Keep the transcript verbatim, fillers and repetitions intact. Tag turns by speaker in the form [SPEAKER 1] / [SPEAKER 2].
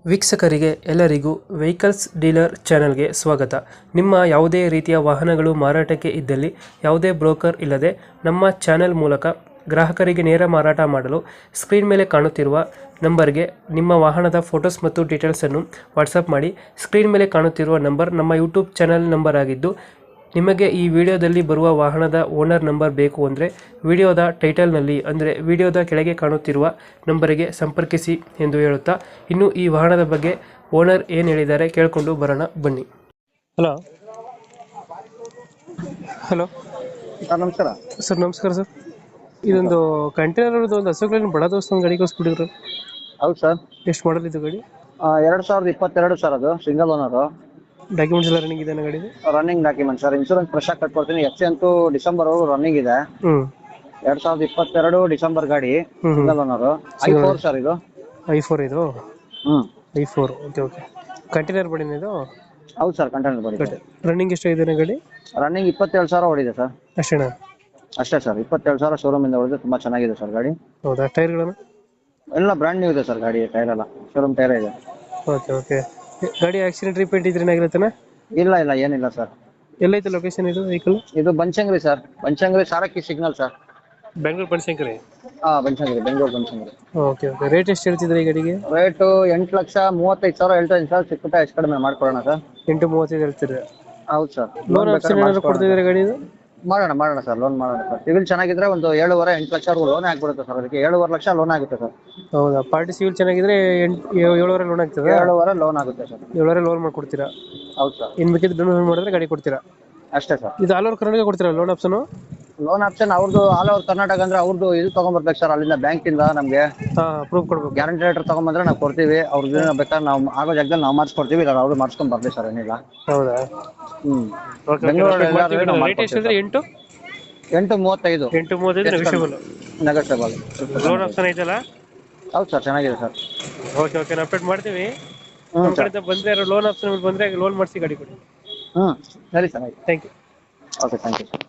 [SPEAKER 1] ವೀಕ್ಷಕರಿಗೆ ಎಲ್ಲರಿಗೂ vehicles dealer ಚಾನೆಲ್ಗೆ ಸ್ವಾಗತ. ನಿಮ್ಮ ಯಾವುದೇ ರೀತಿಯ ವಾಹನಗಳು ಮಾರಾಟಕ್ಕೆ ಇದ್ದಲ್ಲಿ ಯಾವುದೇ ಬ್ರೋಕರ್ ಇಲ್ಲದೆ ನಮ್ಮ ಚಾನೆಲ್ ಮೂಲಕ ಗ್ರಾಹಕರಿಗೆ ನೇರ ಮಾರಾಟ ಮಾಡಲು ಸ್ಕ್ರೀನ್ ಮೇಲೆ ಕಾಣುತ್ತಿರುವ ನಂಬರ್ಗೆ ನಿಮ್ಮ ವಾಹನದ ಫೋಟೋಸ್ ಮತ್ತು ಡೀಟೇಲ್ಸನ್ನು ವಾಟ್ಸಪ್ ಮಾಡಿ. ಸ್ಕ್ರೀನ್ ಮೇಲೆ ಕಾಣುತ್ತಿರುವ ನಂಬರ್ ನಮ್ಮ ಯೂಟ್ಯೂಬ್ ಚಾನೆಲ್ ನಂಬರ್ ಆಗಿದ್ದು, ನಿಮಗೆ ಈ ವಿಡಿಯೋದಲ್ಲಿ ಬರುವ ವಾಹನದ ಓನರ್ ನಂಬರ್ ಬೇಕು ಅಂದರೆ ವಿಡಿಯೋದ ಟೈಟಲ್ನಲ್ಲಿ ಅಂದರೆ ವಿಡಿಯೋದ ಕೆಳಗೆ ಕಾಣುತ್ತಿರುವ ನಂಬರಿಗೆ ಸಂಪರ್ಕಿಸಿ ಎಂದು ಹೇಳುತ್ತಾ, ಇನ್ನು ಈ ವಾಹನದ ಬಗ್ಗೆ ಓನರ್ ಏನು ಹೇಳಿದ್ದಾರೆ ಕೇಳಿಕೊಂಡು ಬರೋಣ ಬನ್ನಿ. ಹಲೋ ಹಲೋ
[SPEAKER 2] ಸರ್ ನಮಸ್ಕಾರ.
[SPEAKER 1] ಸರ್ ನಮಸ್ಕಾರ ಸರ್. ಇದೊಂದು ಕಂಟೈನರ್ ಒಂದು ಹಸುಗಳನ್ನು ಬಡ ದೋಸ್ತ ಒಂದು ಗಾಡಿ ಕಳಿಸ್ಬಿಟ್ಟಿದ್ರು.
[SPEAKER 2] ಹೌದು ಸರ್.
[SPEAKER 1] ಎಷ್ಟು ಮಾಡಲ್ ಇದು ಗಾಡಿ?
[SPEAKER 2] ಎರಡು ಸಾವಿರದ ಇಪ್ಪತ್ತೆರಡು ಸರ್. ಅದು ಸಿಂಗಲ್ ಓನರು.
[SPEAKER 1] ಡಾಕ್ಯುಮೆಂಟ್ಸ್ ಎಲ್ಲ ರನ್ನಿಂಗ್ ಇದೆ ಗಾಡಿ?
[SPEAKER 2] Running document sir. Insurance fresh ಆಗಿ ಕಟ್ಕೊಡ್ತೀನಿ. ಎಫ್ ಸಿ ಅಂತೂ ಡಿಸೆಂಬರ್ ವರೆಗೂ ರನ್ನಿಂಗ್ ಇದೆ.
[SPEAKER 1] ಹ್ಮ್
[SPEAKER 2] ಎರಡ್ ಸಾವಿರದ ಇಪ್ಪತ್ತೆರಡು ಡಿಸೆಂಬರ್ ಗಾಡಿ. Single owner. I four sir ಇದು.
[SPEAKER 1] ಐ ಫೋರ್ ಇದು?
[SPEAKER 2] ಹ್ಮ್
[SPEAKER 1] I four. Okay okay. Container ಬಡಿನ ಇದು?
[SPEAKER 2] ಹೌದು ಸರ್, ಕಂಟೈನರ್ ಬಡಿ.
[SPEAKER 1] ರನ್ನಿಂಗ್ ಎಷ್ಟಾಗಿದೆ ಗಾಡಿ?
[SPEAKER 2] ರನ್ನಿಂಗ್ ಇಪ್ಪತ್ತೇಳು ಸಾವಿರ ಓಡಿದೆ ಸರ್.
[SPEAKER 1] ಅಷ್ಟೇನಾ?
[SPEAKER 2] ಅಷ್ಟೇ ಸರ್. ಇಪ್ಪತ್ತೇಳು ಸಾವಿರ ಶೋರೂಮ್ ಇಂದ ಓಡಿದೆ. ತುಂಬಾ ಚೆನ್ನಾಗಿದೆ ಸರ್ ಗಾಡಿ.
[SPEAKER 1] ಹೌದಾ? ಟೈರ್ಗಳನ್ನು
[SPEAKER 2] ಎಲ್ಲ ಬ್ರ್ಯಾಂಡ್ ನ್ಯೂ ಇದೆ ಸರ್ ಗಾಡಿ. ಟೈರ್ ಎಲ್ಲ ಶೋರೂಮ್ ಟೈರ್ ಇದೆ.
[SPEAKER 1] Okay okay. ಗಾಡಿ ಆಕ್ಸಿಡೆಂಟ್ ರಿಪೇಂಟ್ ಇದ್ರೆ ಏನಾಗಿರುತ್ತಾನೆ?
[SPEAKER 2] ಇಲ್ಲ ಇಲ್ಲ ಏನಿಲ್ಲ ಸರ್.
[SPEAKER 1] ಎಲ್ಲೈತೆ ಲೊಕೇಶನ್ ಇದು ವೆಹಿಕಲ್?
[SPEAKER 2] ಇದು Banashankari sir. Banashankari Sarakki signal sir.
[SPEAKER 1] Bengaluru Banashankari?
[SPEAKER 2] ಹಾ, Banashankari, Bengaluru Banashankari.
[SPEAKER 1] Okay okay. Rate ಎಷ್ಟು ಹೇಳ್ತಿದ್ರೆ ಈ ಗಾಡಿಗೆ?
[SPEAKER 2] ರೇಟು ಎಂಟು ಲಕ್ಷ ಮೂವತ್ತೈದು ಸಾವಿರ ಹೇಳ್ತಾ ಇದ್ದೀನಿ ಸರ್. ಚಿಕ್ಕ ಪುಟ್ಟ ಹೆಚ್ಚು ಕಡಿಮೆ ಮಾಡ್ಕೊಡೋಣ ಸರ್.
[SPEAKER 1] ಎಂಟು ಮೂವತ್ತೈದು ಹೇಳ್ತೀರಾ?
[SPEAKER 2] ಹೌದು ಸರ್.
[SPEAKER 1] ಲೋನ್ ಆಪ್ಷನ್ ಏನಾದ್ರು ಕೊಡ್ತಿದ್ದಾರೆ ಗಾಡಿ?
[SPEAKER 2] ಮಾಡೋಣ ಮಾಡೋಣ ಸರ್. ಲೋನ್ ಮಾಡೋಣ ಸರ್. ಸಿವಿಲ್ ಚೆನ್ನಾಗಿದ್ರೆ ಒಂದು ಏಳುವರೆ ಎಂಟು ಲಕ್ಷ ಲೋನ್ ಆಗ್ಬಿಡುತ್ತೆ ಸರ್. ಅದಕ್ಕೆ ಏಳುವರೆ ಲಕ್ಷ ಲೋನ್ ಆಗುತ್ತೆ ಸರ್.
[SPEAKER 1] ಹೌದಾ? ಪಾರ್ಟಿ ಸಿವಿಲ್ ಚೆನ್ನಾಗಿದ್ರೆ ಎಂಟು ಏಳುವರೆ ಲೋನ್ ಆಗ್ತದೆ?
[SPEAKER 2] ಏಳುವರೆ ಲೋನ್ ಆಗುತ್ತೆ ಸರ್.
[SPEAKER 1] ಏಳುವರೆ ಲೋನ್ ಮಾಡ್ಕೊಡ್ತೀರಾ?
[SPEAKER 2] ಹೌದು ಸರ್.
[SPEAKER 1] ಇನ್ ಬೇಕಿದ್ರೆ ಡೌನ್ ಮಾಡಿದ್ರೆ ಗಾಡಿ ಕೊಡ್ತೀರಾ?
[SPEAKER 2] ಅಷ್ಟೇ ಸರ್.
[SPEAKER 1] ಇದು ಆಲ್ ಓವರ್ ಕರ್ನಾಟಕ ಕೊಡ್ತೀರಾ ಲೋನ್ ಆಪ್ಷನ್?
[SPEAKER 2] ಲೋನ್ ಆಪ್ಷನ್ ಅವ್ರದ್ದು ಆಲ್ ಓವರ್ ಕರ್ನಾಟಕ ಅಂದ್ರೆ ಅವ್ರದ್ದು ಇದು ತಗೊಂಡ್ಬರ್ಬೇಕು ಸರ್. ಅಲ್ಲಿಂದ ಬ್ಯಾಂಕ್ ಇಂದ ನಮ್ಗೆ
[SPEAKER 1] ಪ್ರೂಫ್ ಕೊಡ್ಬೇಕು.
[SPEAKER 2] ಗ್ಯಾರಂಟಿ ಲೆಟರ್ ತಗೊಂಡ್ಬಂದ್ರೆ ನಾವು ಕೊಡ್ತೀವಿ. ಅವ್ರದ್ದು ಬೇಕಾದ್ರೆ ನಾವು ಆಗೋ ಜಾಗದಲ್ಲಿ ನಾವು ಮಾಡಿಸ್ಕೊಡ್ತೀವಿ. ಇಲ್ಲ ಅವ್ರು ಮಾಡಿಸ್ಕೊಂಡ್ ಬರ್ತೀವಿ ಸರ್. ಏನಿಲ್ಲ.
[SPEAKER 1] ಹೌದಾ?
[SPEAKER 2] ಹ್ಮ್.
[SPEAKER 1] ರೇಟ್ ಎಷ್ಟಿದ್ರೆ? ಎಂಟು
[SPEAKER 2] ಎಂಟು ಮೂವತ್ತೈದು.
[SPEAKER 1] ಎಂಟು ಮೂವತ್ತೈದು ನೆಗೋಷಿಯಬಲ್?
[SPEAKER 2] ನೆಗೋಷಿಯಬಲ್.
[SPEAKER 1] ಲೋನ್ ಆಪ್ಷನ್ ಐತಲ್ಲ?
[SPEAKER 2] ಹೌದು ಸರ್, ಚೆನ್ನಾಗಿದೆ ಸರ್.
[SPEAKER 1] Okay okay. ನಾವು ಅಪ್ಡೇಟ್ ಮಾಡ್ತೀವಿ. ನಮ್ಮ ಕಡೆಯಿಂದ ಬಂದ್ರೆ ಲೋನ್ ಆಪ್ಷನ್ ಬಂದ್ರೆ ಲೋನ್ ಮಾಡಿಸಿ ಗಾಡಿ ಕೊಡಿ.
[SPEAKER 2] ಹ್ಮ್, ಸರಿ sir.
[SPEAKER 1] Thank you.
[SPEAKER 2] Okay, thank you.